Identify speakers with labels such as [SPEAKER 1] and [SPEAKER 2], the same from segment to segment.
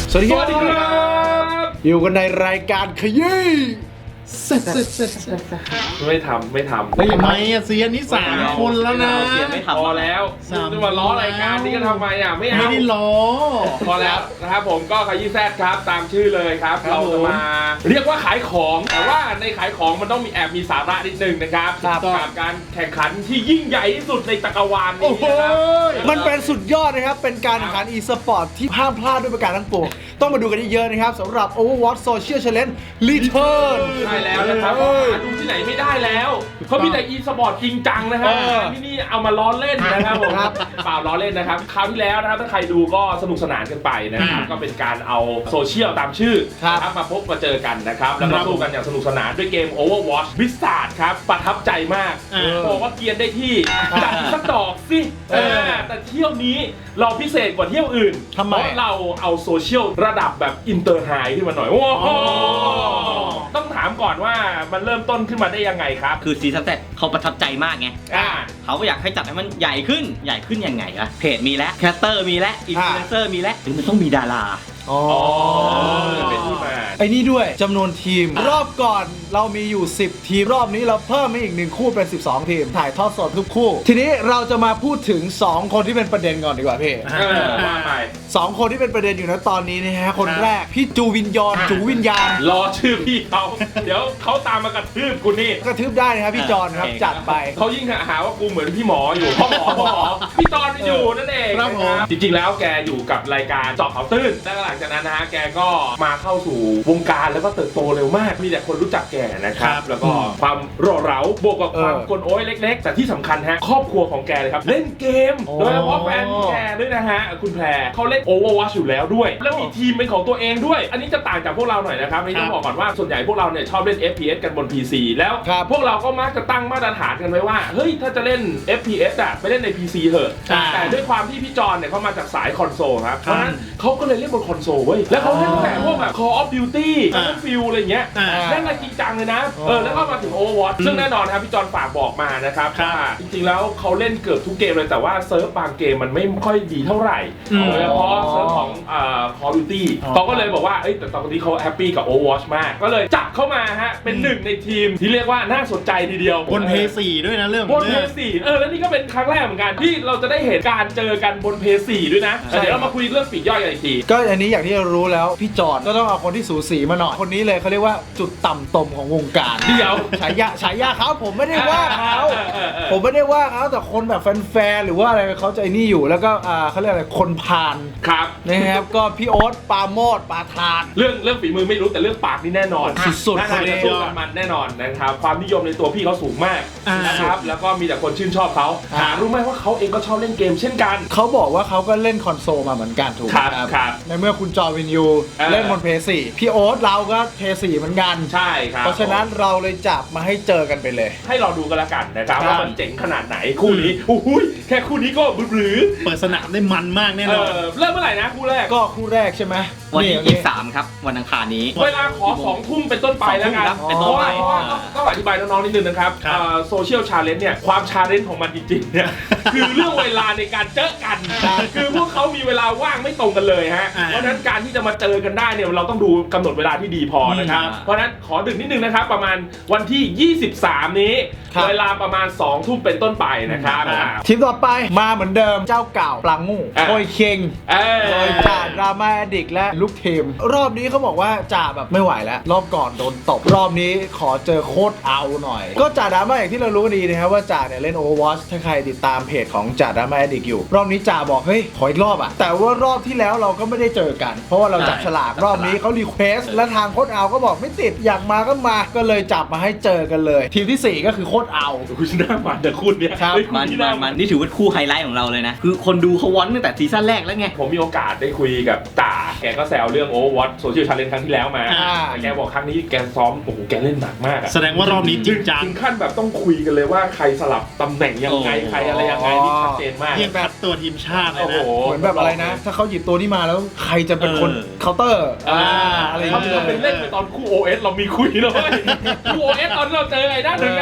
[SPEAKER 1] สวัสดีครับอยู่กันในรายการขยี้
[SPEAKER 2] ไม่ทำ
[SPEAKER 3] ทำไมอ่ะเซียนนี่3 คนแล้วนะ
[SPEAKER 2] พอแล้วจะมาล้อรายการนี้ก็ทำไมอ่ะไม่
[SPEAKER 3] ได้ล้อ
[SPEAKER 2] พอแล้วนะครับผมก็ขยี้แซดครับตามชื่อเลยครับเราจะมาเรียกว่าขายของแต่ว่าในขายของมันต้องมีสาระนิดนึงนะครับกับการแข่งขันที่ยิ่งใหญ่ที่สุดในจักรวาลนี้นะครับ
[SPEAKER 1] มันเป็นสุดยอดนะครับเป็นการแข่งขัน e-sport ที่ห้ามพลาดด้วยประการทั้งปวงต้องมาดูกันเยอะๆนะครับสำหรับ Overwatch Social Challenge Return
[SPEAKER 2] ใช่แล้วนะครับหาดูที่ไหนไม่ได้แล้วเขามีแต่ e-sport จริงจังนะครับที่นี่เอามาล้อเล่นนะครับผมเปล่าล้อเล่นนะครับคราวที่แล้วนะครับถ้าใครดูก็สนุกสนานกันไปนะครับก็เป็นการเอาโซเชียลตามชื่อครับมาพบมาเจอกันนะครับแล้วก็สู้กันอย่างสนุกสนานด้วยเกม Overwatch Blizzard ครับประทับใจมากบอกว่าเกียนได้ที่จัดสักดอกสิแต่เที่ยวนี้เราพิเศษกว่าเที่ยวอื่นเพราะเราเอาโซเชียลระดับแบบอินเตอร์ไฮขึ้นมาหน่อยโอ้โหต้องถามก่อนว่ามันเริ่มต้นขึ้นมาได้ยังไงครับ
[SPEAKER 4] คือซีซั่นแรกเขาประทับใจมากไงเขาอยากให้จัดให้มันใหญ่ขึ้นยังไงอะเพจมีแล้วแคสเตอร์มีแล้วอินฟลูเอนเซอร์มีแล้วถึงมันต้องมีดารา
[SPEAKER 2] เป็นที่มา
[SPEAKER 1] ไอ้นี่ด้วยจำนวนทีมรอบก่อนเรามีอยู่10ทีมรอบนี้เราเพิ่มมาอีก1คู่เป็น12ทีมถ่ายทอดสดทุกคู่ทีนี้เราจะมาพูดถึง2คนที่เป็นประเด็นก่อนดีกว่าพี่
[SPEAKER 2] ว่าไป
[SPEAKER 1] 2คนที่เป็นประเด็นอยู่นะตอนนี้นะฮะคนแรกพี่จูวิญญาณ
[SPEAKER 2] รอชื่อพี่เขาเดี๋ยวเขาตามมากระทืบกูนี่
[SPEAKER 1] กระทืบได้นะครับพี่จอนครับจัดไป
[SPEAKER 2] เขายิ่งหาว่ากูเหมือนพี่หมออยู่พ่อหมอพี่จอนอยู่นั่นเองครับจริงๆแล้วแกอยู่กับรายการเจาะข่าวตื้นแล้วหลังจากนั้นนะฮะแกก็มาเข้าสู่วงการแล้วก็เติบโตเร็วมากมีแต่คนรู้จักแกนะครับแล้วก็ความร่าเร้าบวกกับความกลโอ้ยเล็กๆแต่ที่สำคัญฮะครอบครัวของแกเลยครับเล่นเกมโดยเฉพาะแฟนแกด้วยนะฮะคุณแพรเขาเล่น Overwatch อยู่แล้วด้วยแล้วมีทีมเป็นของตัวเองด้วยอันนี้จะต่างจากพวกเราหน่อยนะครับนี่ต้องบอกก่อนว่าส่วนใหญ่พวกเราเนี่ยชอบเล่น FPS กันบน PC แล้วพวกเราก็มักจะตั้งมาตรฐานกันไว้ว่าเฮ้ยถ้าจะเล่น FPS อ่ะไปเล่นใน PC เถอะแต่ด้วยความที่พี่จอนเนี่ยเขามาจากสายคอนโซลครับเพราะฉะนั้นเขาก็เลยเล่นบนคอนโซลเว้ยแล้วเขาเล่นแต่พวกแบบ Call of Duty Battlefield อะไรเงี้ยเล่นอะไรจริงจังเลยนะแล้วก็มาถึง Overwatch ซึ่งแน่นอนครับพี่จอนฝากบอกมานะครับว่าจริงๆแล้วเขาเล่นเกือบทุกเกมเลยแต่ว่าเซิร์ฟบางเกมมันไม่ค่อยดีเท่าไหร่โดยเฉพาะเซิร์ฟของCall of Duty เขาก็เลยบอกว่าแต่ตอนนี้เขาแฮปปี้กับ Overwatch มากก็เลยจับเข้ามาฮะเป็นหนึ่งในทีมที่เรียกว่าน่าสนใจทีเดียว
[SPEAKER 3] บน PS4 ด้วยนะเรื่อง
[SPEAKER 2] บน PS4 แล้วนี่ก็เป็นครั้งแรกเหมือนกันที่เราจะได้เห็นการเจอกันบน PS4 ด้วยนะเดี๋ยวเรามาคุยเรื่องปีกย่อยกันอีกที
[SPEAKER 1] ก็อันนี้อย่างที่เรารู้แล้วพี่จอนก็ต้องเอาคนที่สูสีมาหน่อยคนนี้เลยเขาเรียกว่าจุดต่ำตมของวงการ
[SPEAKER 2] เดี๋ยว
[SPEAKER 1] ฉายาเขาผมไม่ได้ว่าเขาแต่คนแบบแฟนๆหรือว่าอะไรเขาจะไอ้นี่อยู่แล้วก็เขาเรียกอะไรคนพาล
[SPEAKER 2] ครับ
[SPEAKER 1] นะครับก็พี่โอ๊ตปาโมดปาทาน
[SPEAKER 2] เรื่องฝีมือไม่รู้แต่เรื่องปากนี่แน่นอน
[SPEAKER 1] สุดๆ
[SPEAKER 2] คนนี้มันแน่นอนนะครับความนิยมในตัวพี่เขาสูงมากนะครับแล้วก็มีแต่คนชื่นชอบเขารู้ไหมว่าเขาเองก็ชอบเล่นเกมเช่นกัน
[SPEAKER 1] เขาบอกว่าเขาก็เล่นคอนโซลมาเหมือนกันถูกไหมครับในเมื่อคุณจอวินยูเล่นบน PS4 พี่โอ๊ตเราก็ PS4 เหมือนกัน
[SPEAKER 2] ใช่ครับ
[SPEAKER 1] เพราะฉะนั้นเราเลยจับมาให้เจอกันไปเลย
[SPEAKER 2] ให้เราดูกันละกันนะครับว่ามันเจ๋งขนาดไหนคู่นี้อุ้ยแค่คู่นี้ก็หรือ
[SPEAKER 3] เปิดสนามได้มันมากแน่นอน
[SPEAKER 2] เริ่มเมื่อไหร่นะคู่แรก
[SPEAKER 1] ก็คู่แรกใช่ไหม
[SPEAKER 4] วันที่23ครับวันอังคารนี้
[SPEAKER 2] เวลาขอ2 ทุ่มเป็นต้นไปแล้วกันเพราะว่าต้องอธิบายน้องๆนิดนึงนะครับโซเชียลชาเลนจ์เนี่ยความชาเลนจ์ของมันจริงๆเนี่ยคือเรื่องเวลาในการเจอกันคือพวกเขามีเวลาว่างไม่ตรงกันเลยฮะเพราะฉะนั้นการที่จะมาเจอกันได้เนี่ยเราต้องดูกำหนดเวลาที่ดีพอนะครับเพราะฉะนั้นขอดึกนิดนึงนะครับประมาณวันที่23นี้เวลาประมาณ2 ทุ่มเป็นต้นไปนะครับ
[SPEAKER 1] ทีมต่อไปมาเหมือนเดิมเจ้าเก่าปลางูโอยเคงโดยจ่าดราม่าแอดดิกและลูกทีมรอบนี้เขาบอกว่าจ่าแบบไม่ไหวแล้วรอบก่อนโดนตบรอบนี้ขอเจอโคตรเอาหน่อยก็จ่าดราม่าอย่างที่เรารู้กันดีนะครับว่าจ่าเนี่ยเล่น Overwatch ถ้าใครติดตามเพจของจ่าดราม่าแอดดิกอยู่รอบนี้จ่าบอกเฮ้ยขออีกรอบอะแต่ว่ารอบที่แล้วเราก็ไม่ได้เจอกันเพราะว่าเราจับฉลากรอบนี้เขารีเควสและทางโคตรเอาก็บอกไม่ติดอยากมาก็มาก็เลยจับมาให้เจอกันเลยทีมที่4ก็คือโคตรเอา
[SPEAKER 2] คุณหน้ามันแต่คุณเนี่ย
[SPEAKER 4] มันนี่ถือว่าคู่ไฮไลท์ของเราเลยนะคือคนดูเขาวอนตั้งแต่ซีซั่นแรกแล้วไง
[SPEAKER 2] ผมมีโอกาสได้คุยกับจ่าแกก็แซวเรื่อง Overwatch Social Challenge ครั้งที่แล้วมาแต่แกบอกครั้งนี้แกซ้อมโอ้โหแกเล่นหนักมาก
[SPEAKER 3] แสดงว่ารอบนี้จริงจัง
[SPEAKER 2] ถึงขั้นแบบต้องคุยกันเลยว่าใครสลับตำแหน่งยังไงใครอะไรยังไงนี่ชัดเจนมาก
[SPEAKER 3] เรียกแบบตัวทีมชาติเลยนะ
[SPEAKER 1] เหมือนแบบอะไรนะถ้าเขาหยิบตัวนี้มาแล้วใครจะเป็นคนเคาน์เตอร์
[SPEAKER 2] อะไรเขาเป็นเล่นไปตอนคู่ OS เรามีคุยเลยคู่ OS ตอนเราเจอไอ้ด้านหนึ่งกันอ่ะ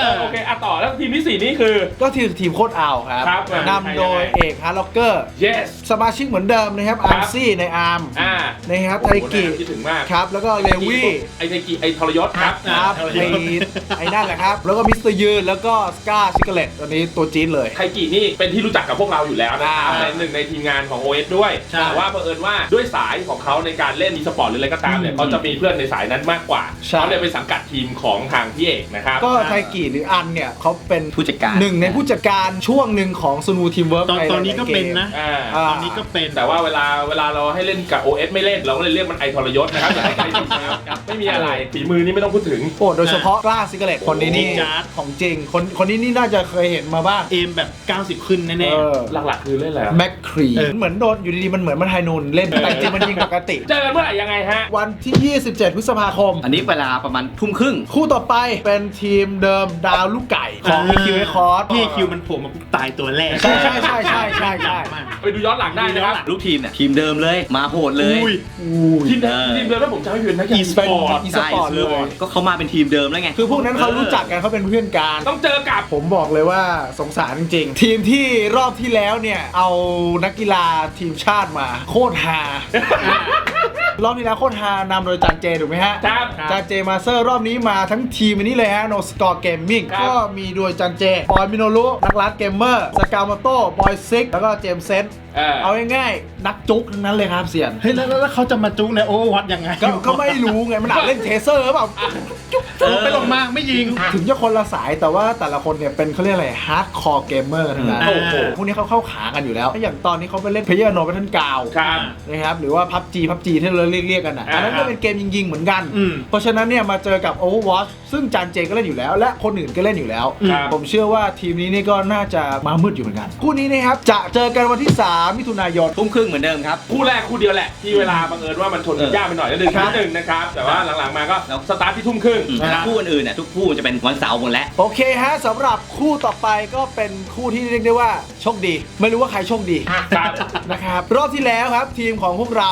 [SPEAKER 2] โอเคต่อแล้วทีมที่ 4 นี่คือ
[SPEAKER 1] ก็ทีมโคตรเอาครับ
[SPEAKER 2] ครับ
[SPEAKER 1] นำโดยเอกฮาร์ล็อกเกอร์
[SPEAKER 2] yes
[SPEAKER 1] สมาชิกเหมือนเดิมนะครับ
[SPEAKER 2] ครั
[SPEAKER 1] อา
[SPEAKER 2] บ
[SPEAKER 1] ร์ซี่ในอาร์ม นะครับไทกิ
[SPEAKER 2] คิดถึงมาก
[SPEAKER 1] ครับแล้วก็เลวี่
[SPEAKER 2] ไอไทกิไอทรยศครับ
[SPEAKER 1] ครับไอ้นั่นแหละครับ แล้วก็มิสเตอร์ยืนแล้วก็สกาชิกเลตตัวนี้ตัวจี๊ดเลย
[SPEAKER 2] ไทกินี่เป็นที่รู้จักกับพวกเราอยู่แล้วนะครับ
[SPEAKER 1] อ่า
[SPEAKER 2] เป็นหนึ่งในทีมงานของ OS ด้วย
[SPEAKER 3] ใช่
[SPEAKER 2] แต่ว่าเผอิญว่าด้วยสายของเขาในการเล่นอีสปอร์ตหรืออะไรก็ตามเนี่ยเขาจะมีเพื่อนในสายนั้นมากกว่า
[SPEAKER 1] ใช่
[SPEAKER 2] เขาเลยไปสังกัดทีมของทางพี่เอกนะครับ
[SPEAKER 1] ก็ไทกิหรืออันเนี่ยเขาเป็น
[SPEAKER 4] ผู้จัดการ
[SPEAKER 1] หนึ่งในผู้จัดการช่วงหนึ่งของซูนูทีมเวิร์ก
[SPEAKER 3] ตอนนี้ก็เป็นนะ
[SPEAKER 2] อ่า
[SPEAKER 1] อ่า
[SPEAKER 3] ตอนนี้ก็เป็น
[SPEAKER 2] แต่ว่าเวลาเราให้เล่นกับ OS ไม่เล่นเราก็เลยเรียกมันไอทรยศนะครับอย่าให้ใครผิดนะครับไม่มีอะไรฝีมือนี่ไม่ต้องพูดถึง
[SPEAKER 1] โอ้โดยเฉพาะกล้าซิกเลตคนนี้นี่
[SPEAKER 3] จริงจัด
[SPEAKER 1] ของจริงคนนี้นี่น่าจะเคยเห็นมาบ้าง
[SPEAKER 3] เอมแบบ 90 ขึ้นแน่
[SPEAKER 1] เออ
[SPEAKER 2] หลักๆคือเล่นอะไร
[SPEAKER 1] แม็กครี
[SPEAKER 3] เออ
[SPEAKER 1] เหมือนโดนอยู่ดีๆมันเหมือนมันไฮนูนเล่นแต่จริงมันยิงปกติ
[SPEAKER 2] เจอกันเมื่อไหร่ยังไงฮะ
[SPEAKER 1] วันที่ 27 พฤษภาคม
[SPEAKER 4] อันนี้เวลาประมาณทุ่มครึ่ง
[SPEAKER 1] คู่ต่อไปเป็นทีมเดิมดาวลูกไก่ของ EQ Record
[SPEAKER 3] พี่คิวมันโผล่มาปุ๊บตายตัวแรก
[SPEAKER 1] ใช่ใช่ใช่ใช่ใช่ใช่
[SPEAKER 3] มาก
[SPEAKER 2] ไปดูย้อนหลังได้นะครับ
[SPEAKER 4] ลูกทีมเนี่ยทีมเดิมเลยมาโหดเลย
[SPEAKER 3] อุ้ย
[SPEAKER 2] ทีมเดิมแล้วผมจำไม่ผิดนะ
[SPEAKER 1] e-sport
[SPEAKER 4] ใช่
[SPEAKER 1] e-sport เลย
[SPEAKER 4] ก็เขามาเป็นทีมเดิมแล้วไง
[SPEAKER 1] คือพวกนั้นเขารู้จักกันเขาเป็นเพื่อนกัน
[SPEAKER 2] ต้องเจอกับ
[SPEAKER 1] ผมบอกเลยว่าสงสารจริงๆ ทีมที่รอบที่แล้วเนี่ย เอานักกีฬาทีมชาติมา โคตรฮารอบที่แล้วโคตรฮานำโดยจานเจถูกไหมฮะ
[SPEAKER 2] ครับ
[SPEAKER 1] จานเจมาสเตอร์รอบนี้มาทั้งทีมอันนี้เลยฮะ No Score Gaming
[SPEAKER 2] ครับ
[SPEAKER 1] ก็มีโดยจานเจบอยมิโนรุนักลัดเกมเมอร์สกาวมาโต้บอยซิกแล้วก็เจมส์เซนต์เอาง่ายๆนักจุกทั้งนั้นเลยครับเสี่ยน
[SPEAKER 3] เฮ้ยแล้วเขาจะมาจุกในโอเวอร์วัตยังไง
[SPEAKER 1] ก็ไม่รู้ไง มันอาจเล่นเทเซอร์หรือเปล่า
[SPEAKER 3] ไปลงมาไม่ยิง
[SPEAKER 1] ถึงจะคนละสายแต่ว่าแต่ละคนเนี่ยเป็นเขาเรียกอะไรฮาร์ดคอร์เกมเมอร์ทั้งนั้น
[SPEAKER 3] โอ้โห
[SPEAKER 1] พวกนี้เขาเข้าขากันอยู่แล้วอย่างตอนนี้เขาไปเล่นเพลเยอร์โนเบทันกาว
[SPEAKER 2] ครับ
[SPEAKER 1] นะครับหรือว่าพับจีที่เราเรียกกันอ่ะอันนั้นก็เป็นเกมยิงๆเหมือนกัน
[SPEAKER 3] อืม
[SPEAKER 1] เพราะฉะนั้นเนี่ยมาเจอกับ Overwatch ซึ่งจานเจก็เล่นอยู่แล้ว และคนอื่นก็เล่นอยู่แล้ว
[SPEAKER 2] ครับ
[SPEAKER 1] ผมเชื่อว่าทีมนี้นี่ก็น่าจะมามืดอยู่เหมือนกันคู่นี้นะครับจะเจอกันวันที่ 3 มิถุนายน
[SPEAKER 4] ทุ่มครึ่งเหมือนเดิมครับ
[SPEAKER 2] คู่แรกคู่เดียวแหละที่เวลาบังเอิญว่ามันชนกันยากไปหน่อยแล้วดึง
[SPEAKER 1] ครับ
[SPEAKER 2] นิดนึงนะครับ แต่ว่าหลังๆมาก็สตาร์ทที่ทุ่มครึ่ง
[SPEAKER 4] แล้วคู่อื่นๆเนี่ยทุกคู่จะเป็นวันเสาร์หมดแล้ว
[SPEAKER 1] โอเคฮะสำหรับคู่ต่อไปก็เป็นคู่ที่เรียกได้ว่าโชคดี ไม่รู้ว่าใครโชคดี
[SPEAKER 2] ครับ
[SPEAKER 1] นะครับรอบที่แล้วครับทีมของพวกเรา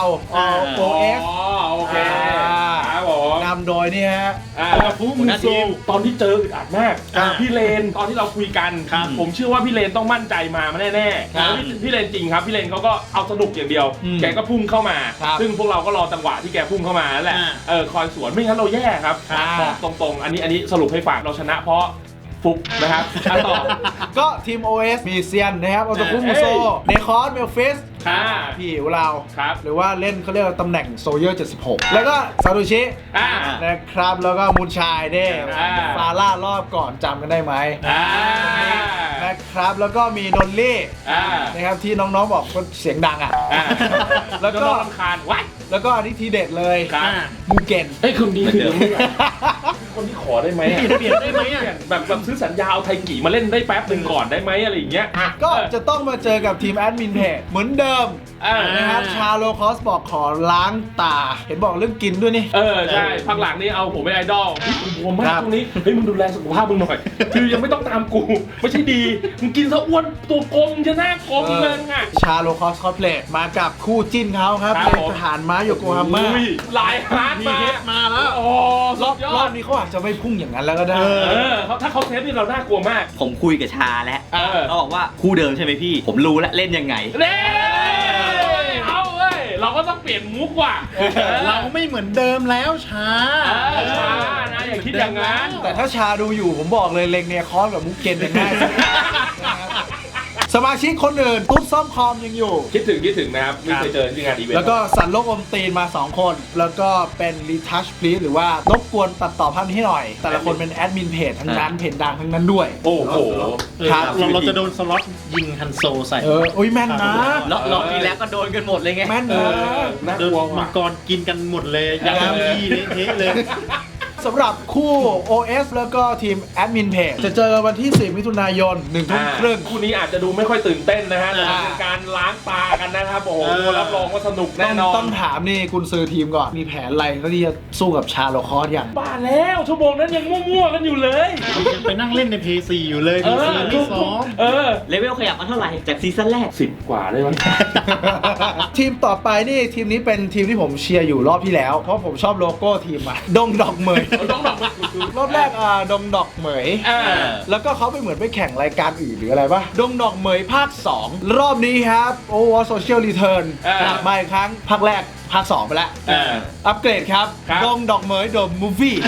[SPEAKER 1] OS
[SPEAKER 2] อ๋อโอเคครับผม
[SPEAKER 1] นำโดยนี่ฮะ
[SPEAKER 2] ฟูมูโซตอนที่เจออึดอัดมาก
[SPEAKER 3] อ่า
[SPEAKER 2] พี่เลนตอนที่เราคุยกัน
[SPEAKER 3] ครับ
[SPEAKER 2] ผมเชื่อว่าพี่เลนต้องมั่นใจมาแน่ๆ
[SPEAKER 1] ครับ
[SPEAKER 2] แล้วพี่เลนจริงครับพี่เลนเขาก็เอาสนุกอย่างเดียว
[SPEAKER 1] อืม
[SPEAKER 2] แกก็พุ่งเข้ามา
[SPEAKER 1] ครับ
[SPEAKER 2] ซึ่งพวกเราก็รอจังหวะที่แกพุ่งเข้ามานั่นแหละ คอยสวนไม่งั้นเราแย่ครับ
[SPEAKER 1] ครับ
[SPEAKER 2] บอกตรงๆ อันนี้สรุปให้ฟังเราชนะเพราะฟุกนะครับต่อ
[SPEAKER 1] ก็ทีม OS มีเซียนนะครับอัลตคุมูโซเนคอสเมลฟิส
[SPEAKER 2] อ่า
[SPEAKER 1] พี่อิ๋วเรา
[SPEAKER 2] ครับ
[SPEAKER 1] หรือว่าเล่นเขาเรียกว่าตำแหน่งโซเยอร์ 76 แล้วก็ซาโตชิ
[SPEAKER 2] อ่า
[SPEAKER 1] นะครับแล้วก็มูนชายเด้
[SPEAKER 2] อ่า
[SPEAKER 1] ฟาร่ารอบก่อนจำกันได้ไหม
[SPEAKER 2] อ่า
[SPEAKER 1] นะครับแล้วก็มีนนลี่
[SPEAKER 2] อ่า
[SPEAKER 1] นะครับที่น้องๆบอกว่าเสียงดังอ่ะ
[SPEAKER 2] อ่า
[SPEAKER 1] แล้วก็
[SPEAKER 2] น้องรำคาญวัด
[SPEAKER 1] แล้วก็อันนี้ทีเด็ดเลย
[SPEAKER 2] ครับ
[SPEAKER 1] มูเกน
[SPEAKER 2] เอ้ยคนนี้คือคนที่ขอได้ไหมอะ
[SPEAKER 3] เปลี่ยนได้ไหมอ่ะ
[SPEAKER 2] แบบซื้อสัญญาเอาไทกิมาเล่นได้แป๊บหนึ่งก่อนได้ไหมอะไรอย่างเงี้ย
[SPEAKER 1] ก็จะต้องมาเจอกับทีมแอดมินเพจเหมือนเดิม นะครับชาโลคอสบอกขอล้างตา เห็นบอกเรื่องกินด้วยนี่
[SPEAKER 2] ใช่พักหลังนี่เอาผมเป็นไอดอลพี่กูบวมมา
[SPEAKER 1] ค
[SPEAKER 2] ก
[SPEAKER 1] รับ
[SPEAKER 2] ตรงนี้เฮ้ยมึงดูแลสุขภาพมึงหน่อยคือยังไม่ต้องตามกูไม่ใช่ดีมึงกินซะอ้วนตัวกลมจะหน้ากลมเลยอ่ะ
[SPEAKER 1] ชาโลคอสคอสเพลตมากับคู่จิ้นเขาครับ
[SPEAKER 2] ครับ
[SPEAKER 1] เป็น
[SPEAKER 2] ผม
[SPEAKER 1] ทหารม้าโยโกฮาม่า
[SPEAKER 2] อุ้ยลายฮาร์ด
[SPEAKER 3] มี
[SPEAKER 2] มา
[SPEAKER 3] เฮดมาแล้ว
[SPEAKER 2] โอ้รอบ
[SPEAKER 1] รอบนี้เขาอาจจะไม่พุ่งอย่างนั้นแล้วก็ได้
[SPEAKER 2] ถ้าเขาเซฟนี่เราน่ากลัวมาก
[SPEAKER 4] ผมคุยกับชาแล้ว เขาบอกว่าคู่เดิมใช่ไหมพี่ ผมรู้แล้วเล่นยังไง
[SPEAKER 2] เน่เอาเว้ยเราก็ต้องเปลี่ยนมุกว่ะ
[SPEAKER 3] เราไม่เหมือนเดิมแล้วช้า
[SPEAKER 2] ช้านะอย่าคิดอย่างนั้น
[SPEAKER 1] แต่ถ้าชาดูอยู่ผมบอกเลยเลงเนี่ยคอสกับมุกเกนเนี่ยง่ายสุดนะครับสมาชิกคนอื่นตุ๊ดซ่อมคอมยังอยู่
[SPEAKER 2] คิดถึงนะครับไม่เคยเจอที่งานอีเวนต์
[SPEAKER 1] แล้วก็สันโลกอมตีนมา 2 คน แล้วก็เป็นรีทัชพลีสหรือว่ารบกวนตัดต่อภาพนี้ให้หน่อย แต่ละคนเป็นแอดมินเพจทั้งนั้นเพจดังทั้งนั้นด้วย
[SPEAKER 2] โอ้โห
[SPEAKER 1] ครับ
[SPEAKER 3] เราจะโดนสล็อตยิงฮันโซใส่
[SPEAKER 1] อุ้ยแม่นนะ
[SPEAKER 4] รอบที่แล้วก็โดนกันหมดเลยไง
[SPEAKER 1] แม่น
[SPEAKER 2] เอ
[SPEAKER 1] นะ
[SPEAKER 2] อน่า
[SPEAKER 3] โด
[SPEAKER 2] ก
[SPEAKER 3] น
[SPEAKER 2] ลัว
[SPEAKER 3] มั
[SPEAKER 2] ว่ะ
[SPEAKER 3] งกรกินกันหมดเลยยังมีเละเทะเลย
[SPEAKER 1] สำหรับคู่ OS แล้วก็ทีมแอดมินเพจจะเจอกันวันที่ 4 มิถุนายน 1 ทุ่มครึ่ง
[SPEAKER 2] คู่นี้อาจจะดูไม่ค่อยตื่นเต้นนะฮะแต่
[SPEAKER 1] อ่า
[SPEAKER 2] เป็นการล้างตากันนะครับโอ้โหรับรองว่าสนุก
[SPEAKER 1] ต้
[SPEAKER 2] แน่
[SPEAKER 1] อง
[SPEAKER 2] นอน
[SPEAKER 1] ต้องถามนี่กุนซือทีมก่อน มีแผนอะไรก็ที่จะสู้กับชาโลคอสอย่าง
[SPEAKER 2] บ้าแล้วชั่วโมงนั้นยังมั่วๆกันอยู่เลย
[SPEAKER 3] ยังไปนั่งเล่นใน PS4 อยู่เลย
[SPEAKER 2] เอ
[SPEAKER 3] PS4
[SPEAKER 2] อ
[SPEAKER 3] ไม่ซ้อม
[SPEAKER 4] เลเวลขยับมาเท่าไหร่ จากซีซั่นแรก
[SPEAKER 2] 10 กว่าได้มั้ย
[SPEAKER 1] ทีมต่อไปนี่ทีมนี้เป็นทีมที่ผมเชียร์อยู่รอบที่แล้ว เพราะผมชอบโลโก้ทีมอะดงดอกเหมย
[SPEAKER 2] ต้องดอกมัน
[SPEAKER 1] รอบแรกดงดอกเหมย แล้วก็เขาไปเหมือนไปแข่งรายการอื่นหรืออะไรปะดงดอกเหมยภาค 2 รอบนี้ครับโอวอร์โซเชียลรีเทิร์นกลับมาอีกครั้งภาคแรกภาค 2 ไปแล้ว อัปเกรดครับดงดอกเหมยเดอะมูฟวี่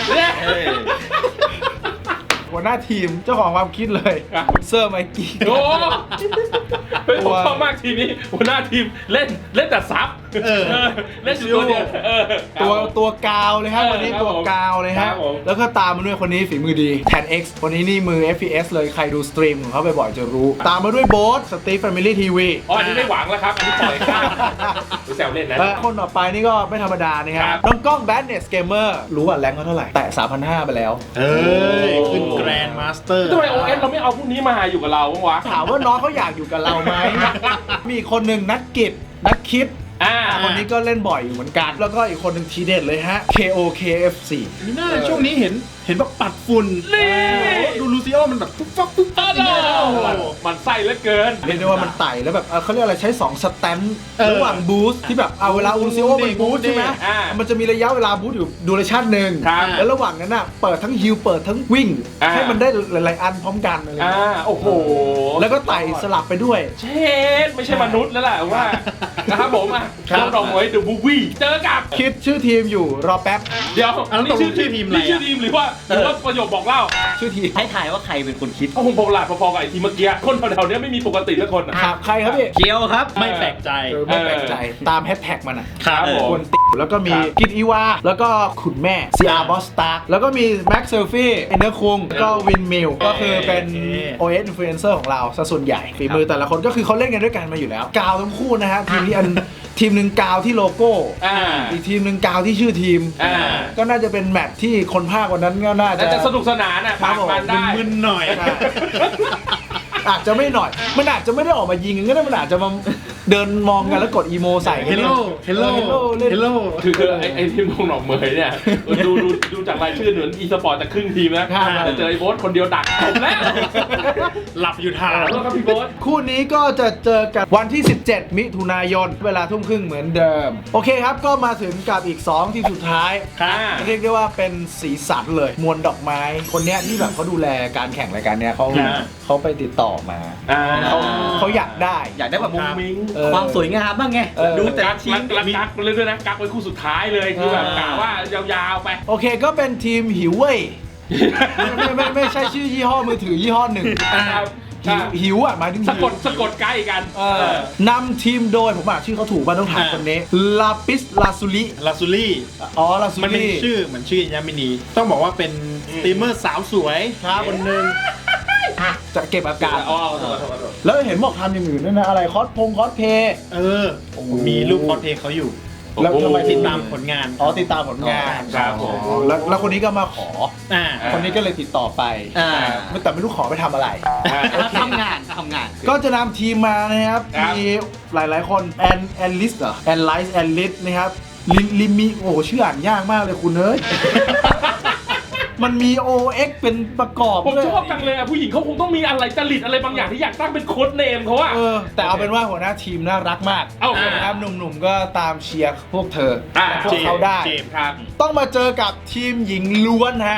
[SPEAKER 1] หัวหน้าทีมเจ้าของความคิดเลยเซอร์ไมกี้
[SPEAKER 2] โอ้ผมชอบมากทีนี้หัวหน้าทีมเล่นแต่ซับเล่นอยู่ตัวเดียว
[SPEAKER 1] ตัวกาวเลยครับวันนี้ตัวกาวเลยฮะแล้วก็ตามมาด้วยคนนี้ฝีมือดีแทน X คนนี้นี่มือ FPS เลยใครดูสตรีมของเขาบ่อยๆจะรู้ตามมาด้วยโบ๊ทสตีฟแฟมิลี่ทีวี
[SPEAKER 2] อ๋ออันนี้ไม่หวังแล้วครับอันนี้ปล่อยข้ามดูแซวเล่นนะ
[SPEAKER 1] คนต่อไปนี่ก็ไม่ธรรมดานะครับน้องกล้องแบดเนสเกมเมอร์รู้ว่าแรงเขาเท่าไหร่แต่ 3,500 ไปแล้ว
[SPEAKER 3] ขึ้นแกรนด์มาสเตอร์
[SPEAKER 2] ทำไม OS เราไม่เอาพวกนี้มาอยู่กับเราบ้างวะ
[SPEAKER 1] ถามว่าน้องเขาอยากอยู่กับเราไหมมีคนหนึ่งนักกิจนักคิดคนนี้ก็เล่นบ่อยอยู่เหมือนกันแล้วก็อีกคนหนึ่งทีเด็ดเลยฮะ KOKF4
[SPEAKER 3] นี่น่าช่วงนี้เห็นแบบปัดฝุ่นดูลูซิโอมันแบบปุ๊บปั๊บปุ๊บปั๊บ
[SPEAKER 2] มันไส้เหลือเกิน
[SPEAKER 1] เรียกได้ว่ามันไต่แล้วแบบเขาเรียกอะไรใช้2สแตนด์ระหว่างบูสต์ที่แบบเวลาลูซิโอมันบูสต์ใช่ไหมมันจะมีระยะเวลาบูสต์อยู่ดูเรชั่นหนึ่งแล้วระหว่างนั้นน่ะเปิดทั้งฮิลเปิดทั้งวิ่งให้มันได้หลายๆอันพร้อมกันอะไร
[SPEAKER 2] โอ้โห
[SPEAKER 1] แล้วก็ไต่สลับไปด้วย
[SPEAKER 2] เชดไม่ใช่มนุษย์แล้วแหละว่านะครับผมต้องลองไว้ดูบูวี่เจอกับ
[SPEAKER 1] คิดชื่อทีมอยู่รอแป๊บ
[SPEAKER 2] เดี๋ยวนี่ชื่อทีมอะไรชื่อทีมหรือว่าประโยคบอกเล่า
[SPEAKER 1] ชื่อทีม
[SPEAKER 4] ให้ถ่ายว่าใครเป็นคนคิด
[SPEAKER 2] ผมบอกหลาดพอๆกับไอ้ทีเมื่อกี้คนแถวๆนี้ไม่มีปกติสักคน
[SPEAKER 1] ครับใครครับพี่
[SPEAKER 4] เกียวครับ
[SPEAKER 3] ไม่แปลกใจ
[SPEAKER 1] ไม่แปลกใจตามแฮชแท็กมัน
[SPEAKER 2] ครับ
[SPEAKER 1] คนติแล้วก็มีกิตอีวาแล้วก็ขุนแม่ซีอาร์บอสตาร์แล้วก็มีแม็กเซลฟี่เอนเดอร์คุงก็วินมิลก็คือเป็น OS Influencer ของเราซะส่วนใหญ่ฝีมือแต่ละคนก็คือเขาเล่นกันด้วยกันมาอยู่แล้วกาวทั้งคู่นะฮะทีมที่ทีมหนึ่งกาวที่โลโก้อีกทีมหนึ่งกาวที่ชื่อทีมก็น่าจะเป็นแมตช์ที่คนภาควันนั้นก็น่าจะ
[SPEAKER 2] สนุกสนานผ่านมันได้
[SPEAKER 3] มึนหน่อย
[SPEAKER 1] อาจจะไม่หน่อยมันอาจจะไม่ได้ออกมายิงก็ได้มันอาจจะมาเดินมองกันแล้วกดอีโมใส่
[SPEAKER 3] เฮลโลเฮลโลเฮลโล
[SPEAKER 2] คือไอ้ทีมหนองเหมยเนี่ยดูจากรายชื่อเหมือนอีสปอร์ตจะครึ่งทีมนะแต่เจอไอ้โบ๊ทคนเดียวดักจบแล้ว
[SPEAKER 3] หลับอยู่ทาง
[SPEAKER 2] แล้วครับพี่โบ๊ท
[SPEAKER 1] คู่นี้ก็จะเจอกันวันที่17มิถุนายนเวลา 20:30 เหมือนเดิมโอเคครับก็มาถึงกับอีก2ทีมสุดท้ายเรียกได้ว่าเป็นสีสันเลยมวลดอกไม้คนเนี้ยที่แบบเขาดูแลการแข่งรายการเนี้ยเขาไปติดต่อมาเขาอยากได้
[SPEAKER 4] แบบมุ้งมิ้งความสวยงามบ้างไงดูแต่ทีม
[SPEAKER 2] กักเลยด้วยนะกักไว้คู่สุดท้ายเลยคือแบบกะว่ายาวๆไป
[SPEAKER 1] โอเคก็เป็นทีมหิวเว่ยไม่ใช่ชื่อยี่ห้อมือถือยี่ห้อหนึ่งหิวหมายถึง
[SPEAKER 2] สะกดใกล้กัน
[SPEAKER 1] นำทีมโดยผมอ่านชื่อเขาถูกป่ะต้องถามคนนี้ลาปิสลาซูลี่
[SPEAKER 3] ลาซูลี่มันเป็นชื่อเหมือนชื่อยามินีต้องบอกว่าเป็นสตรีมเมอร์สาวสวยคนหนึ่ง
[SPEAKER 1] จะเก็บอาการแล้วเห็นบอกทำอย่างอื่นด้วยนะอะไรคอสเพย์
[SPEAKER 3] มีรูปคอสเพย์เขาอยู่แล้วทำไมติดตามผลงาน
[SPEAKER 1] ติดตามผลงาน
[SPEAKER 2] ครับผม
[SPEAKER 1] แล้วคนนี้ก็มาขอคนนี้ก็เลยติดต่อไปแต่ไม่รู้ขอไปทำอะไร
[SPEAKER 4] ทำงาน
[SPEAKER 1] ก็จะนำทีมมานะครับมีหลายๆคนแอนลิสเหรอแอนลิสนะครับลิมีโอ้ชื่ออ่านยากมากเลยคุณเอ้ยมันมี OX เป็นประกอบ
[SPEAKER 2] ผมชอบจังเลยผู้หญิงเขาคงต้องมีอะไรจริตอะไรบางอย่างที่อยากตั้งเป็นโค้ดเนมเขาอะ
[SPEAKER 1] แต่เอาเป็นว่าหัวหน้าทีมน่ารักมากนะครับหนุ่มๆก็ตามเชียร์พวกเธอพวกเขาได้ต้องมาเจอกับทีมหญิงล้วนฮะ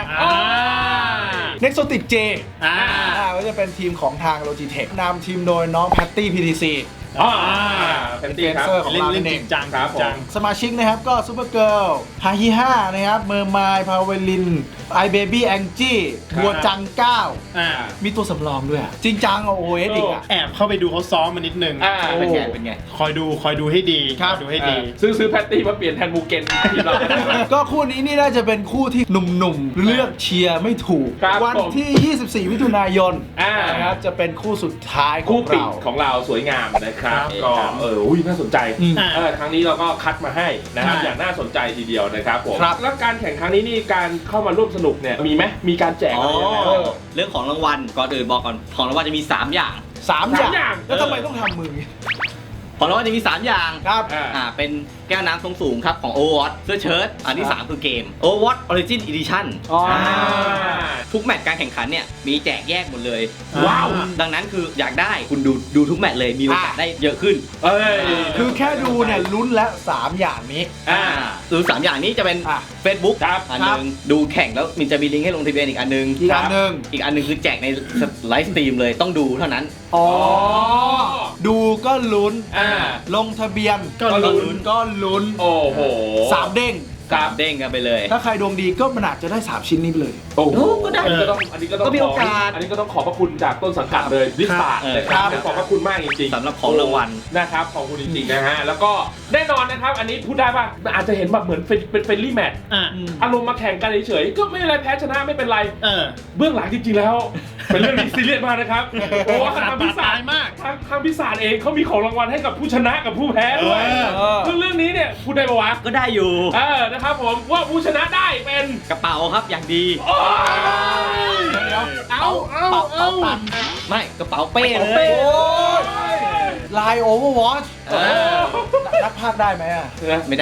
[SPEAKER 1] Nexotic J ก็จะเป็นทีมของทาง Logitech นำทีมโดยน้องแพตตี้ PTCเป็นเฟนเซอร์ของเราเองสมาชิกนะครับก็ซูเปอร์เกิร์ลฮาฮิฮ่านะครับเมอร์มายพาวเวลินไอเบบี้แองจี้บัวจัง9มีตัวสำรองด้วยจริงจังโอเอสอีก
[SPEAKER 3] แอบเข้าไปดูเขาซ้อมมานิดนึง
[SPEAKER 4] เป็นไง
[SPEAKER 3] คอยดูให้ดีดูให้ดี
[SPEAKER 2] ซื้อแพตตี้มาเปลี่ยนแทนมูเกนทีมเรา
[SPEAKER 1] ก็คู่นี้นี่น่าจะเป็นคู่ที่หนุ่มๆเลือกเชียร์ไม่ถูกวันที่24มิถุนายนนะครับจะเป็นคู่สุดท้าย
[SPEAKER 2] ของเราสวยงามนะครับก็น่าสนใจครั้งนี้เราก็คัดมาให้นะครับอย่างน่าสนใจทีเดียวนะครับผมแล้วการแข่งครั้งนี้นี่การเข้ามาร่วมสนุกเนี่ยมีไหมมีการแจกอะไรยังไง
[SPEAKER 4] เรื่องของรางวัลก่อนอื่นบอกก่อนของรางวัลจะมี3 อย่าง
[SPEAKER 1] 3 อย่างแล้วทำไมต้องทำมือ
[SPEAKER 4] ของรางวัลจะมี 3 อย่าง
[SPEAKER 1] ครับ
[SPEAKER 4] เป็นแก้วน้ำทรงสูงครับของ Overwatch เสื้อเชิ้ตอันที่ 3 คือเกม Overwatch Origin Edition
[SPEAKER 1] อ๋อ
[SPEAKER 4] ทุกแมตช์การแข่งขันเนี่ยมีแจกแยกหมดเลย
[SPEAKER 2] ว้าว
[SPEAKER 4] ดังนั้นคืออยากได้คุณดูทุกแมตช์เลยมีโอกาสได้เยอะขึ้น
[SPEAKER 2] เอ้ย
[SPEAKER 1] คือแค่ดูเนี่ยลุ้นแล้ว3อย่างนี้
[SPEAKER 4] ดู3อย่างนี้จะเป็น Facebook
[SPEAKER 2] ครับ
[SPEAKER 4] อันหนึงดูแข่งแล้วมันจะมีลิงก์ให้ลงทะเบียนอีกอันหนึง
[SPEAKER 1] อีกอันหนึ่ง
[SPEAKER 4] อีกอันหนึงคือแจกในไลฟ์สตรีมเลยต้องดูเท่านั้น
[SPEAKER 1] อ๋อ ดูก็ลุ้น ลงทะเบียน
[SPEAKER 2] ก็ลุ้น
[SPEAKER 1] ก็ลุ้น
[SPEAKER 2] โอ้โห
[SPEAKER 1] 3 เด้ง
[SPEAKER 2] ครับ
[SPEAKER 4] เด้งกันไปเลย
[SPEAKER 1] ถ้าใครดวงดีก็มันอาจจะได้ 3 ชิ้นนี้ไปเลย
[SPEAKER 2] โอ้โห
[SPEAKER 4] ก็ได้
[SPEAKER 2] อันนี้ก็ต้อง
[SPEAKER 4] ก็มีโอกาส
[SPEAKER 2] อันนี้ก็ต้องขอบพระคุณจากต้นสังกัดเลยลิสตาร์นะครับ
[SPEAKER 1] ครับ
[SPEAKER 2] ขอบพระคุณมากจริงๆ
[SPEAKER 4] สำหรับของรางวัล
[SPEAKER 2] นะครับขอบคุณจริงๆนะฮะแล้วก็แน่นอนนะครับอันนี้พูดได้ป่ะอาจจะเห็นแบบเหมือนเป็นเฟรนลี่แมตช์ อารมณ์มาแข่งกันเฉยๆก็ไม่เป็นไรแพ้ชนะไม่เป็นไรเบื้องหลังจริงๆแล้ว เป็นเรื่องที่ซีเรียสมากนะครับเพราะว่าทางพิศาจมากทางพิศาจเองเขามีของรางวัลให้กับผู้ชนะกับผู้แพ้ด้วยซึ่งเรื่องนี้เนี่ยพูดได้ปะวะ
[SPEAKER 4] ก็ได้อยู่
[SPEAKER 2] นะครับผมว่าผู้ชนะได้เป็น
[SPEAKER 4] กระเป๋าครับอย่างดี
[SPEAKER 2] โอ้ย
[SPEAKER 1] เดี๋ยว
[SPEAKER 2] เอา
[SPEAKER 1] ตัน
[SPEAKER 4] ไม่กระเป๋าเป้เลย
[SPEAKER 1] โอ้ยลาย Overwatch นักพากย์ได้ไหมอ่ะ
[SPEAKER 4] ไม่ได้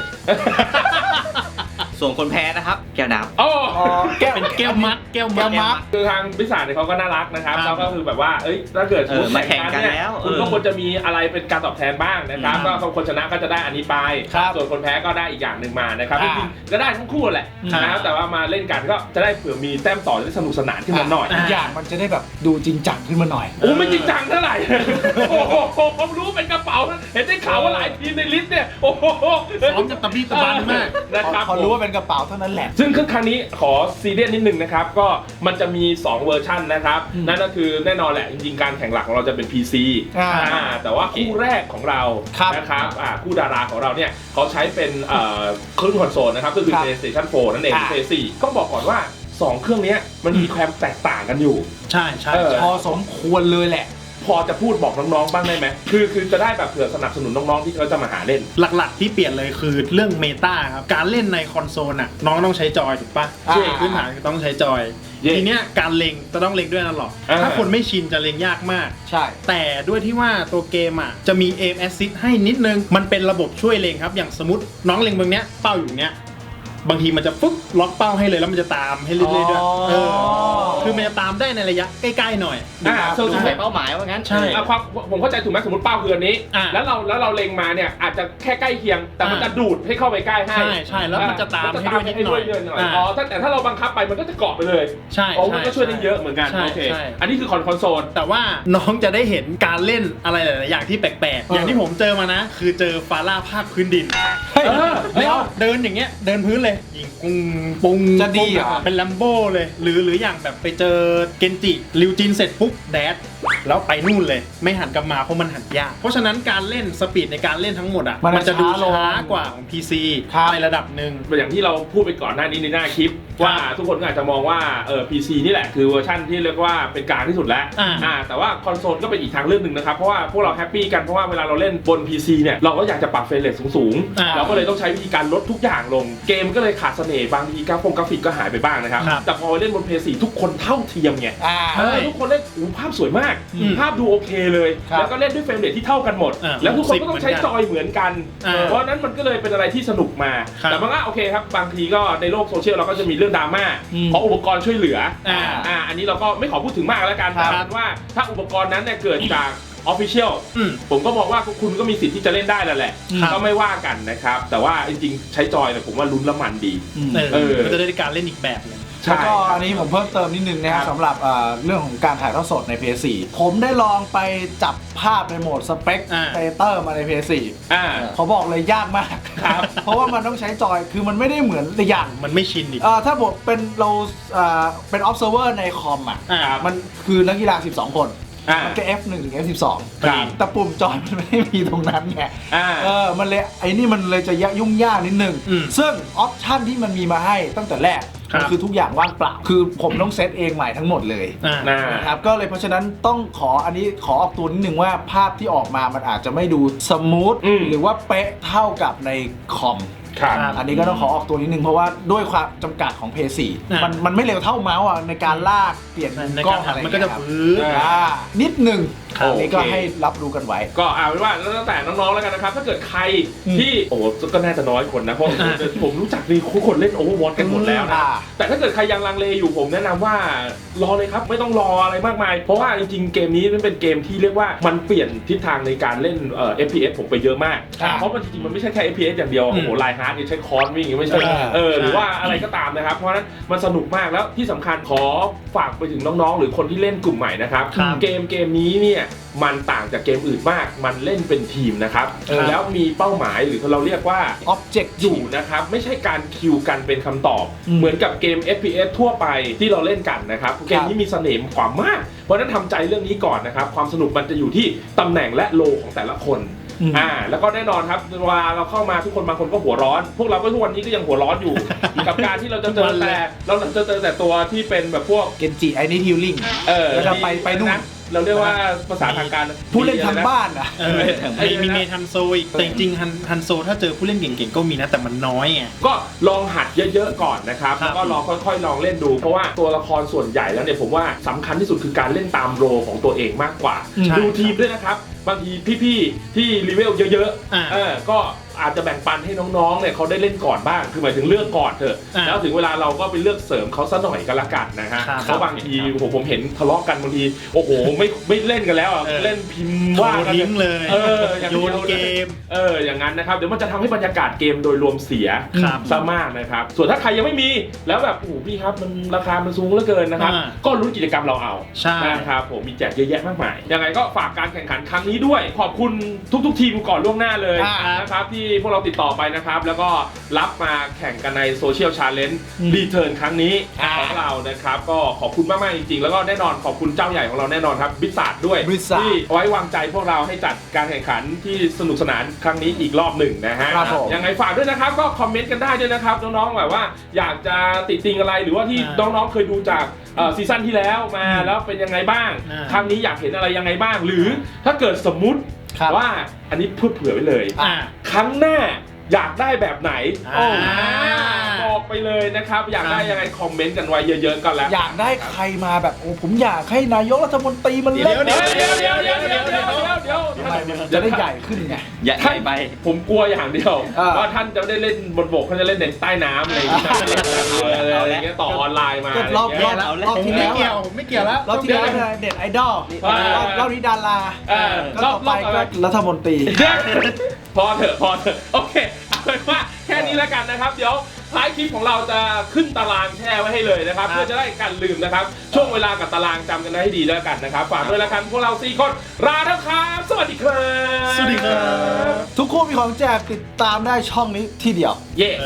[SPEAKER 4] ส่วนคนแพ้นะครับ แก้วน้ำ
[SPEAKER 2] โอ้
[SPEAKER 3] เป็นแก้วมัด
[SPEAKER 1] แก้วมัด
[SPEAKER 2] คือทางพิศาจเนี่ยเขาก็น่ารักนะครับ
[SPEAKER 3] ครับ
[SPEAKER 2] แล้วก็คือแบบว่าเอ้ยถ้าเกิดสมมติ
[SPEAKER 4] มาแข่งกัน
[SPEAKER 2] เนี่ย
[SPEAKER 4] แล้ว
[SPEAKER 2] คุณก็ควรจะมีอะไรเป็นการตอบแทนบ้างนะครับก็คนชนะก็จะได้อันนี้ไป
[SPEAKER 1] ครับ
[SPEAKER 2] ส่วนคนแพ้ก็ได้อีกอย่างหนึ่งมานะครับจ
[SPEAKER 1] อ่า
[SPEAKER 2] ริงๆก็ได้ทั้งคู่แหละ
[SPEAKER 3] ครับ
[SPEAKER 2] นะครับแต่ว่ามาเล่นกันก็จะได้เผื่อมีแต้มต่อได้สนุกสนานขึ้นมาหน่อย
[SPEAKER 1] อีกอย่างมันจะได้แบบดูจริงจังขึ้นมาหน่อย
[SPEAKER 2] โอ้ไม่จริงจังเท่าไหร่ โอ้โหผมรู้เป็นกระเป๋าเห็นได้ข่าวว่าหลายทีมในลิสต์เนี่ยโอ้โห
[SPEAKER 3] พร้อมจะตะบี้ตะบันมาก
[SPEAKER 2] นะครับ
[SPEAKER 1] พอรู้ว่าเป็นกระเป๋าเท่านั้นแหละ
[SPEAKER 2] ซึ่งครั้งนี้ขอซีเรียสนิดนึงนะครับก็มันจะมี 2 เวอร์ชันนะครับนั่นก็คือแน่นอนแหละจริงๆการแข่งหลักของเราจะเป็น PC แต่ว่าคู่แรกของเรา
[SPEAKER 1] ครับ
[SPEAKER 2] นะครับคู่ดาราของเราเนี่ยเขาใช้เป็นเครื่องคอนโซลนะครับก็คือ
[SPEAKER 1] ครับ
[SPEAKER 2] PlayStation 4 นั่นเอง PS4 ก็บอกก่อนว่า 2 เครื่องนี้มันมีความแตกต่างกันอยู่
[SPEAKER 3] ใช่ใช่
[SPEAKER 1] พอสมควรเลยแหละ
[SPEAKER 2] พอจะพูดบอกน้องๆบ้างได้ไหมคือจะได้แบบเผื่อสนับสนุนน้องๆที่เขาจะมาหาเล่น
[SPEAKER 3] หลักๆที่เปลี่ยนเลยคือเรื่องเมตาครับการเล่นในคอนโซลน่ะน้องต้องใช้จอยถูกปะ
[SPEAKER 1] ใช่
[SPEAKER 3] พื้นฐานคือต้องใช้จอย
[SPEAKER 2] เย่
[SPEAKER 3] ทีเนี้ยการเล็งจะต้องเล็งด้วยนั่นหรอก
[SPEAKER 2] อ่า
[SPEAKER 3] ถ้าคนไม่ชินจะเล็งยากมาก
[SPEAKER 1] ใช่
[SPEAKER 3] แต่ด้วยที่ว่าตัวเกมอ่ะจะมี aim assist ให้นิดนึงมันเป็นระบบช่วยเล็งครับอย่างสมมติน้องเล็งตรงเนี้ยเป้าอยู่เนี้ยบางทีมันจะฟึ๊บล็อกเป้าให้เลยแล้วมันจะตามให้เรื่อยๆด้วยคือมันจะตามได้ในระยะใกล้ๆหน่อย
[SPEAKER 2] ส่วน
[SPEAKER 4] ใส่เป้าหมายว่างั้น
[SPEAKER 3] ใช่
[SPEAKER 2] ความผมเข้าใจถูกไหมสมมติเป้าคืออันนี้
[SPEAKER 3] อ่า
[SPEAKER 2] แล้วเราเล็งมาเนี่ยอาจจะแค่ใกล้เคียง แต่มันจะดูดให้เข้าไปใกล้ให้
[SPEAKER 3] ใช่แล้วมันจะตามให้ด้วยนิดหน่อย
[SPEAKER 2] อ๋อแต่ถ้าเราบังคับไปมันก็จะเกาะไปเลย
[SPEAKER 3] ใช่
[SPEAKER 2] อ๋อมันก็ช่วยได้เยอะเหมือนกัน
[SPEAKER 3] ใช่
[SPEAKER 2] โอเค
[SPEAKER 3] ใช่
[SPEAKER 2] อันนี้คือคอนโซล
[SPEAKER 3] แต่ว่าน้องจะได้เห็นการเล่นอะไรหลายๆอย่างที่แปลกๆ อย่างที่ผมเจอมานะ คือเจอฟาร่าภาคพื้นดิน
[SPEAKER 1] เฮ้ย
[SPEAKER 3] แล้วเดินอย่างเงี้ยเดินพื้นเลยยิงปุ้งปุ้ง
[SPEAKER 1] จะดีเหรอ
[SPEAKER 3] เป็นแลมโบ้เลย หรืออย่างแบบไปเจอเกนจิริวจินเสร็จปุ๊บแดดแล้วไปนู่นเลย ไม่หันกลับมาเพราะมันหันยาก เพราะฉะนั้นการเล่นสปีดในการเล่นทั้งหมดอ่ะ
[SPEAKER 1] มัน
[SPEAKER 3] จะดู
[SPEAKER 1] ช้าลง
[SPEAKER 3] ช้ากว่าของ PC
[SPEAKER 1] ครับ
[SPEAKER 3] ในระดับหนึ่ง
[SPEAKER 2] อย่างที่เราพูดไปก่อนหน้านี้ในหน้าคลิป ว่าทุกคนก็อาจจะมองว่าPC นี่แหละคือเวอร์ชันที่เรียกว่าเป็นกลางที่สุดแล้ว แต่ว่าคอนโซลก็เป็นอีกทางเลือกหนึ่งนะครับเพราะว่าพวกเราแฮปปี้กันเพราะว่าเวลาเราเล่นบน PC เนี่ยเราก็อยากจะปรับเฟรมเรทสูงๆเราก็เลยต้องใช้วิธีการลดทุกอย่างลงเกมก็เลยขาดเสน่ห์บางทีกราฟิกก็หายไปบ้างนะครับแต่พอเล่นบน PS4 ทุกคนเท่าเทียมไงทุกคนเล่นภาพสวยมากภาพดูโอเคเลยแล้วก็เล่นด้วยเฟรมเรทที่เท่ากันหมดแล้วทุกคนก็ต้องใช้จอยเหมือนกันเพราะนั้นมันก็เลยเป็นอะไรที่สนุกมาแต่มันก็โอเคครับบางทีก็ในโลกโซเชียลเราก็จะมีเรื่องดราม่าเพราะอุปกรณ์ช่วยเหลืออันนี้เราก็ไม่ขอพูดถึงมากแล้วกันแต่ว่าถ้าอุปกรณ์นั้นเนี่ยเกิดจากOfficial ผมก็มองว่าคุณก็มีสิทธิ์ที่จะเล่นได้แล้วแหละก็ไม่ว่ากันนะครับแต่ว่าจริงๆใช้จอยเนี่ยผมว่าลุ้นละมันดี
[SPEAKER 3] มันจะได้การเล่นอีกแบบหนึง
[SPEAKER 1] แล้วก็อันนี้ผมเพิ่มเติมนิดนึงนะครับสำหรับเรื่องของการถ่ายทอดสดใน PS4 ผมได้ลองไปจับภาพในโหมดสเปคเตเตอร์มาใน PS4 เขาบอกเลยยากมากครับเพราะว่ามันต้องใช้จอยคือมันไม่ได้เหมือนอย่าง
[SPEAKER 3] มันไม่ชินอีก
[SPEAKER 1] ถ้าบอกเป็นเราเป็น observer ในคอมอ่ะมันคือนักกีฬา12 คนมันก็ F1 ถึง F12 แต่ปุ่มจอยมันไม่ได้มีตรงนั้นไงมันเลยไอ้นี่มันเลยจะยุ่งยากนิดนึงซึ่งออปชันที่มันมีมาให้ตั้งแต่แรกมันคือทุกอย่างว่างเปล่าคือผมต้องเซตเองใหม่ทั้งหมดเลยนะครับก็เลยเพราะฉะนั้นต้องขออันนี้ขอออกตัวนิดนึงว่าภาพที่ออกมามันอาจจะไม่ดูสมูทหรือว่าเป๊ะเท่ากับในคอมอันนี้ก็ต้องขอออกตัวนิดนึงเพราะว่าด้วยความจำกัดของ PS4 มันไม่เร็วเท่าเมาส์ในการลากเปลี่ยนกล้องอะไร
[SPEAKER 3] มันก็จะฟื้น
[SPEAKER 1] นิดนึงอันนี้ก็ให้รับรู้กันไว้
[SPEAKER 2] ก็เอาเป็นว่าแล้วแต่น้องๆแล้วกันนะครับถ้าเกิดใครที่โอ้ก็น่าจะน้อยคนนะเพราะผมรู้จักนี่คนเล่น Overwatch กันหมดแล้วนะแต่ถ้าเกิดใครยังลังเลอยู่ผมแนะนำว่ารอเลยครับไม่ต้องรออะไรมากมายเพราะว่าจริงๆเกมนี้มันเป็นเกมที่เรียกว่ามันเปลี่ยนทิศทางในการเล่นFPS ผมไปเยอะมากเพราะมันจริงๆมันไม่ใช่แค่ FPS อย่างเดียวโอ้โหไลน์ฮาร์ดนี่ใช้คอนวิ่งไม่ใช่หรือว่าอะไรก็ตามนะครับเพราะฉะนั้นมันสนุกมากแล้วที่สำคัญขอฝากไปถึงน้องๆหรือคนที่เล่นกลุ่มใหม่นะครับเกมนี้เนี่ยมันต่างจากเกมอื่นมากมันเล่นเป็นทีมนะครับแล้วมีเป้าหมายหรือเราเรียกว่า
[SPEAKER 1] Object
[SPEAKER 2] อยู่นะครับไม่ใช่การคิวกันเป็นคำตอบเหมือนกับเกม FPS ทั่วไปที่เราเล่นกันนะครับเกมนี้มีเสน่ห์กว่ามากเพราะฉะนั้นทำใจเรื่องนี้ก่อนนะครับความสนุกมันจะอยู่ที่ตำแหน่งและโลของแต่ละคนแล้วก็แน่นอนครับเวลาเราเข้ามาทุกคนบางคนก็หัวร้อนพวกเราก็ทุกวันนี้ก็ยังหัวร้อนอยู่ กับการที่เราจะเจอแต่ตัวที่เป็นแบบพวก
[SPEAKER 1] Genji I need healing แล้วจะไปนู่น
[SPEAKER 2] เราเรียกว่าภาษาทางการ
[SPEAKER 1] ผู้เล่นทางบ้านอ่ะ
[SPEAKER 3] มีเมทันโซอีกแต่จริงๆฮันโซถ้าเจอผู้เล่นเก่งๆก็มีนะแต่มันน้อยไง
[SPEAKER 2] ก็ลองหัดเยอะๆก่อนนะครับแล้วก็ลองค่อยๆลองเล่นดูเพราะว่าตัวละครส่วนใหญ่แล้วเนี่ยผมว่าสำคัญที่สุดคือการเล่นตามโรของตัวเองมากกว่าดูทีมด้วยนะครับบางทีพี่ๆที่รีเวลเยอะๆก็อาจจะแบ่งปันให้น้องๆเนี่ยเขาได้เล่นก่อนบ้างคือหมายถึงเลือกก่อนเถอะแล้วถึงเวลาเราก็ไปเลือกเสริมเขาซะหน่อยก็แล้วกันนะฮะเพราะบางทีผมเห็นทะเลาะกันบางทีโอ้โหไม่เล่นกันแล้วเล่นพิมพ์ว่ากัน
[SPEAKER 3] เลยโยนเกม
[SPEAKER 2] อย่างนั้นนะครับเดี๋ยวมันจะทำให้บรรยากาศเกมโดยรวมเสียซะมากนะครับส่วนถ้าใครยังไม่มีแล้วแบบโอ้พี่ครับมันราคามันสูงเหลือเกินนะครับก็ลุ้นกิจกรรมเราเอานะครับผมมีแจกเยอะแยะมากมายยังไงก็ฝากการแข่งขันครั้งนี้ด้วยขอบคุณทุกทีมก่อนล่วงหน้าเลยนะครับที่พวกเราติดต่อไปนะครับแล้วก็รับมาแข่งกันในโซเชียลชาเลนจ์รีเทิร์นครั้งนี้ของเรานะครับก็ขอบคุณมากๆจริงๆแล้วก็แน่นอนขอบคุณเจ้าใหญ่ของเราแน่นอนครับบิสซาร์ดด้วยที่ไว้วางใจพวกเราให้จัดการแข่งขันที่สนุกสนานครั้งนี้อีกรอบหนึ่งนะฮะยังไงฝากด้วยนะครับก็คอมเมนต์กันได้ด้วยนะครับน้องๆแบบว่าอยากจะติติงอะไรหรือว่าที่น้องๆเคยดูจากซีซั่นที่แล้วมาแล้วเป็นยังไงบ้างครั้งนี้อยากเห็นอะไรยังไงบ้างหรือถ้าเกิดสมมุติว่าอันนี้เผื่อไว้เลยครั้งหน้าอยากได้แบบไหนบอกไปเลยนะครับอยากได้ยังไงคอมเมนต์กันไว้เยอะๆก็แล้ว
[SPEAKER 1] อยากได้ใครมาแบบโอ้ผมอยากให้นายกรัฐมนตรีมันเล่น
[SPEAKER 2] เดี๋ยว
[SPEAKER 1] จะได้ใหญ่ขึ้นไง
[SPEAKER 4] ใหญ่ไป
[SPEAKER 2] ผมกลัวอย่างเดียวว่าท่านจะได้เล่นบนบกท่านจะเล่นในใต้น้ำอะไรอย่างเงี้ยต่อออนไลน์มาร
[SPEAKER 1] อบที่แล้ว
[SPEAKER 3] ไม่เกี่ยวแล้ว
[SPEAKER 1] รอบที่แล้วเด็ดไอดอลรอบนี้ดาราก็ต่อไปก็รัฐมนตรี
[SPEAKER 2] พอเถอะโอเคเอาเป็นว่าแค่นี้แล้วกันนะครับเดี๋ยวท้ายคลิปของเราจะขึ้นตารางแช่ไว้ให้เลยนะครับเพื่อจะได้กันลืมนะครับช่วงเวลากับตารางจำกันได้ให้ดีแล้วกันนะครับฝากด้วยละกันพวกเรา4คนลาแล้วครับสวัสดีครับ
[SPEAKER 3] สวัสดีครับ
[SPEAKER 1] ทุกคนมีของแจกติดตามได้ช่องนี้ที่เดียว
[SPEAKER 2] เย้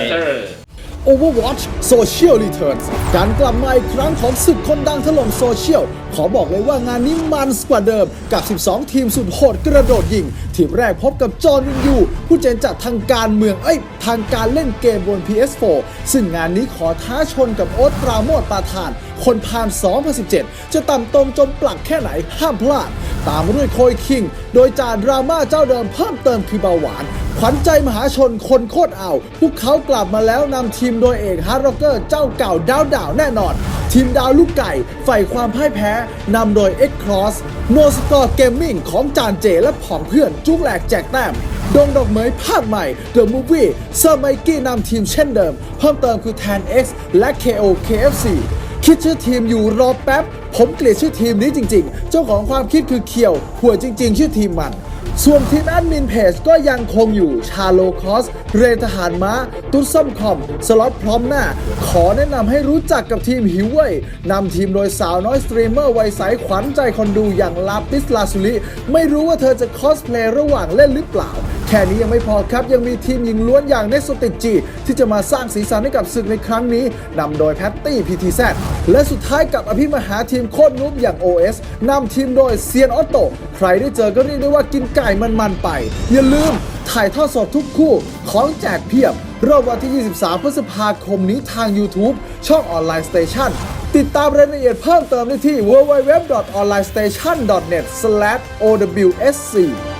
[SPEAKER 1] Overwatch Social Returns การกลับมาอีกครั้งของศึกคนดังถล่มโซเชียลขอบอกเลยว่างานนี้มันกว่าเดิมกับ 12 ทีมสุดโหดกระโดดยิงทีมแรกพบกับจอห์นวินยูผู้เจนจัดทางการเมืองทางการเล่นเกมบน PS4 ซึ่งงานนี้ขอท้าชนกับโอ๊ตปราโมทปาทานคนพาล2017จะต่ำตมจมปลักแค่ไหนห้ามพลาดตามมาด้วยโคยคิงโดยจาดราม่าเจ้าเดิมเพิ่มเติมคือเบาหวานขวัญใจมหาชนคนโคตรเอาพวกเขากลับมาแล้วนำทีมโดยเอกฮาร์ดร็อกเกอร์เจ้าเก่าดาวแน่นอนทีมดาวลูกไก่ใฝ่ความพ่ายแพ้นำโดย X-Cross No Score Gaming ของจานเจและผองเพื่อนจุกแหลกแจกแต้มดงดอกเหมยภาคใหม่ The Movie เซอร์ไมกี้นำทีมเช่นเดิมเพิ่มเติมคือ Tan X และ KO KFC คิดชื่อทีมอยู่รอแป๊บผมเกลียดชื่อทีมนี้จริงๆเจ้าของความคิดคือเคียวหัวจริงๆชื่อทีมมันส่วนทีมแอดมินเพจก็ยังคงอยู่ชาโลคอสเรทหารม้าตุ๊ดส้มคอมสล็อตพร้อมหน้าขอแนะนำให้รู้จักกับทีมหิวเว่ยนำทีมโดยสาวน้อยสตรีมเมอร์วัยใสขวัญใจคนดูอย่างลาปิสลาสุลิไม่รู้ว่าเธอจะคอสเพลย์ระหว่างเล่นหรือเปล่าแค่นี้ยังไม่พอครับยังมีทีมหญิงล้วนอย่างเนสโซติจีที่จะมาสร้างสีสันให้กับศึกในครั้งนี้นำโดยแพตตี้ PTZ และสุดท้ายกับอภิมหาทีมโคตรนุ๊บอย่าง OS นำทีมโดยเซียนออโต้ใครได้เจอก็เรียกได้ว่ากินไก่มันไปอย่าลืมถ่ายทอดสดทุกคู่ของแจกเพียบรอบวันที่ 23 พฤษภาคมนี้ทาง YouTube ช่องออนไลน์สเตชันติดตามรายละเอียดเพิ่มเติมได้ที่ www.onlinestation.net/owsc